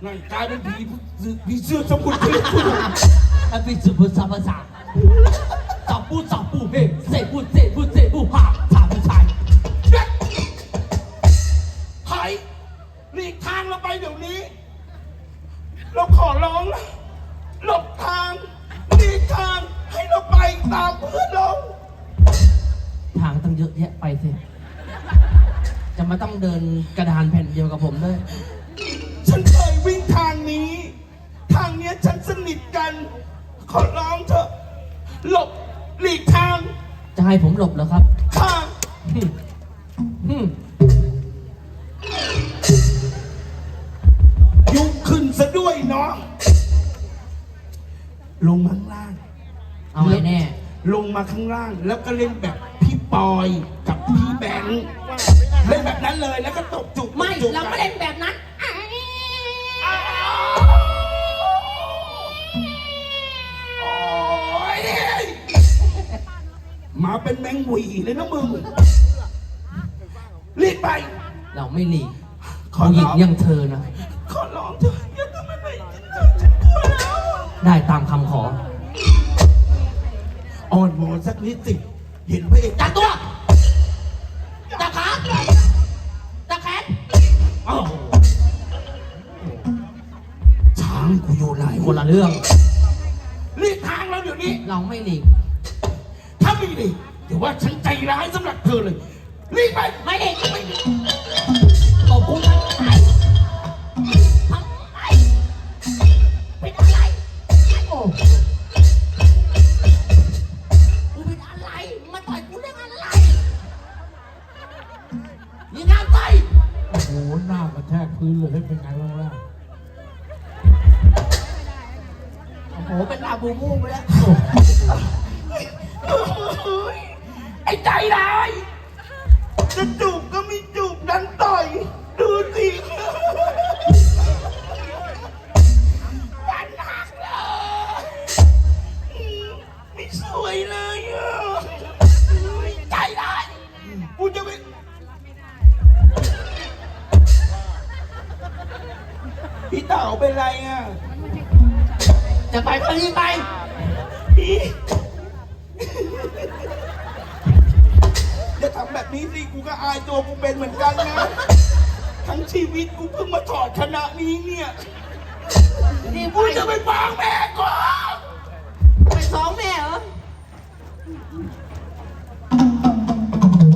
นั่นกลายเป็นผีเสื้อสมุทรอันเป็นสุภาษาภาษาจับปูเฮ้เซปูผ่าถามผู้ชายใครหลีกทางเราไปเดี๋ยวนี้เราขอร้องนะหลบทางหลีกทางให้เราไปตามเพื่อนเราทางตั้งเยอะแยะไปสิจะมาต้องเดินกระดานแผ่นเดียวกับผมด้วยฉันเคยวิ่งทางนี้ทางเนี้ยฉันสนิทกันขอร้องเถอะหลบหลีกทางจะให้ผมหลบเหรอครับทางยุงขึ้นซะด้วยเนาะลงมาข้างล่างเอาไว้แน่ลงมาข้างล่างแล้วก็เล่นแบบพี่ปอยกับพี่แบงค์เล่นแบบนั้นเลยแล้วก็ตบจุกไม่เราไม่เล่นแบบนั้นมาเป็นแมงหวีเลยนะมึงรีบไปเราไม่หลีกขอหญิงยังเธอนะขอร้องเธออย่าทำอะไรฉันกลัวแล้วได้ตามคำขออ่อนวอนสักนิดสิเห็นพระเอกจับตัวจับขาจับแขนช้างกูอยู่ไหนคนละเรื่องรีบทางเราเดี๋ยวนี้เราไม่หลีกถ้าไม่หลีกถือว่าฉันใจร้ายสำหรับเธอเลยรีบไปไม่หลีกไม่ตบกูทำไมเป็นอะไรโอ้กูเป็นอะไรมาต่อยกูเรื่องอะไรยิงน้ำไปโอ้โหหน้ากระแทกพื้นเลยเป็นไงบ้างล่ะโอ้โหเป็นลาบูมูไปแล้วไอ้ใจร้ายจะจูบก็ไม่จูบดันต่อยดูสิวันหักเลยไม่สวยเลยใจร้ายกูจะไปพี่เต่าเป็นไรอ่ะจะไปก็รีบไปอย่าทำแบบนี้สิกูก็อายตัวกูเป็นเหมือนกันนะทั้งชีวิตกูเพิ่งมาถอดคณะนี้เนี่ยกูจะไปฟังแม่